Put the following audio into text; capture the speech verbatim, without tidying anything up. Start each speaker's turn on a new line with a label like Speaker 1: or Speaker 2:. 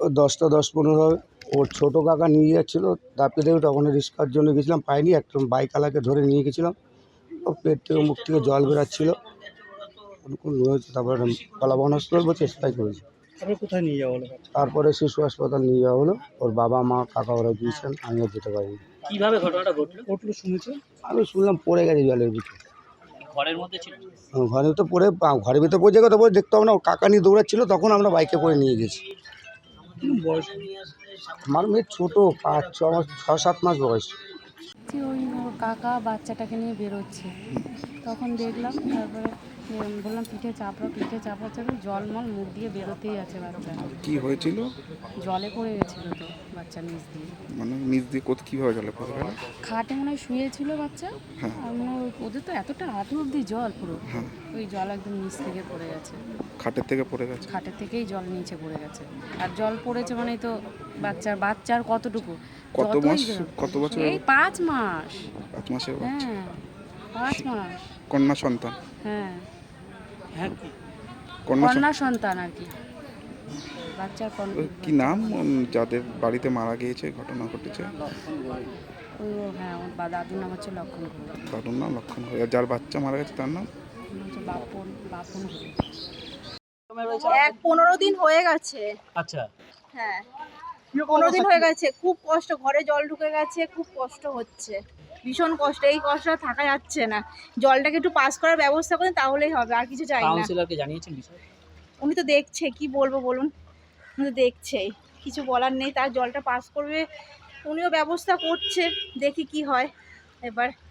Speaker 1: দশটা দশ পনেরো হবে। ওর ছোটো কাকা নিয়ে যাচ্ছিলো তারপরে দেখি তখন রিক্সার জন্য গেছিলাম, পাইনি, একটা বাইকওয়ালাকে ধরে নিয়ে গেছিলাম। ও পেট থেকে মুখ থেকে জল বেরাচ্ছিলো, হয়েছে তারপরে কলাবন হসপিটাল বলছে এক্সপায়ার করেছে।
Speaker 2: তারপরে কোথায় নিয়ে যাওয়া হলো?
Speaker 1: তারপরে শিশু হাসপাতাল নিয়ে যাওয়া হলো। ওর বাবা মা কাকা ওরা গিয়েছেন, আমিও যেতে পারিনি।
Speaker 2: কিভাবে ঘটনাটা ঘটলো ঘটলো শুনেছেন?
Speaker 1: আমি শুনলাম পড়ে গেছে জলের ভিতরে।
Speaker 2: ঘরের মধ্যে ছিল?
Speaker 1: ঘরের ভিতরে পড়ে, ঘরের ভিতরে পড়ে যাবে তারপরে দেখতে হবে না, কাকা নিয়ে দৌড়াচ্ছিল, তখন আমরা বাইকে করে নিয়ে গেছি।
Speaker 2: বয়স?
Speaker 1: আমার মেয়ে ছোটো, পাঁচ ছ মাস ছ সাত মাস বয়স।
Speaker 3: ওই ওর কাকা বাচ্চাটাকে নিয়ে বেরোচ্ছে, তখন দেখলাম, তারপরে বললাম পিঠে চাপড়া পিঠে চাপড়া চাপড়া জলমল মুখ দিয়ে বেরোতেই আছে বাচ্চা।
Speaker 4: কি হয়েছিল?
Speaker 3: জলে পড়ে গেছিল তো বাচ্চা নিচ দিয়ে।
Speaker 4: মানে নিচ দিয়ে কোথা কীভাবে জলে পড়ে গেল?
Speaker 3: খাটে মনে হয় শুয়েছিল বাচ্চা,
Speaker 4: হ্যাঁ।
Speaker 3: আর মনে হয় ওদের তো এতটা হাঁটু অবধি জল পুরো,
Speaker 4: হ্যাঁ।
Speaker 3: ওই জল একদম নিচ থেকে পড়ে গেছে,
Speaker 4: খাটের থেকে পড়ে গেছে?
Speaker 3: খাটের থেকেই জল নিচে পড়ে গেছে। আর জল পড়েছে মানেই তো বাচ্চার বাচ্চার কতটুকু,
Speaker 4: কত মাস কত বছর?
Speaker 3: এই পাঁচ মাস।
Speaker 4: পাঁচ মাসের বাচ্চা?
Speaker 3: হ্যাঁ পাঁচ মাস।
Speaker 4: কন্যা সন্তান?
Speaker 3: হ্যাঁ
Speaker 2: হ্যাঁ।
Speaker 4: কন্যা
Speaker 3: কন্যা সন্তান আর কি, বাচ্চার কন্যা।
Speaker 4: কি নাম যাদের বাড়িতে মারা গিয়েছে, ঘটনা ঘটেছে?
Speaker 3: ওই ও হ্যাঁ ওর বা দাদুর নাম হচ্ছে লক্ষণ ঘোষ।
Speaker 4: দাদুর নাম লক্ষণ ঘোষ। আর যার বাচ্চা মারা গেছে তার নাম
Speaker 3: হচ্ছে বাপন বাপন ঘোষ।
Speaker 5: এক পনেরো দিন হয়ে গেছে।
Speaker 2: আচ্ছা।
Speaker 5: হ্যাঁ পনেরো দিন হয়ে গেছে, খুব কষ্ট, ঘরে জল ঢুকে গেছে, খুব কষ্ট হচ্ছে, ভীষণ কষ্ট, এই কষ্ট থাকা যাচ্ছে না। জলটাকে একটু পাস করার ব্যবস্থা করেন তাহলেই হবে, আর কিছু চাই না।
Speaker 2: কাউন্সিলরকে জানিয়েছেন বিষয়?
Speaker 5: উনি তো দেখছে, কি বলবো বলুন, উনি তো দেখছেই, কিছু বলার নেই, তার জলটা পাস করবে, উনিও ব্যবস্থা করছে, দেখি কি হয় এবার।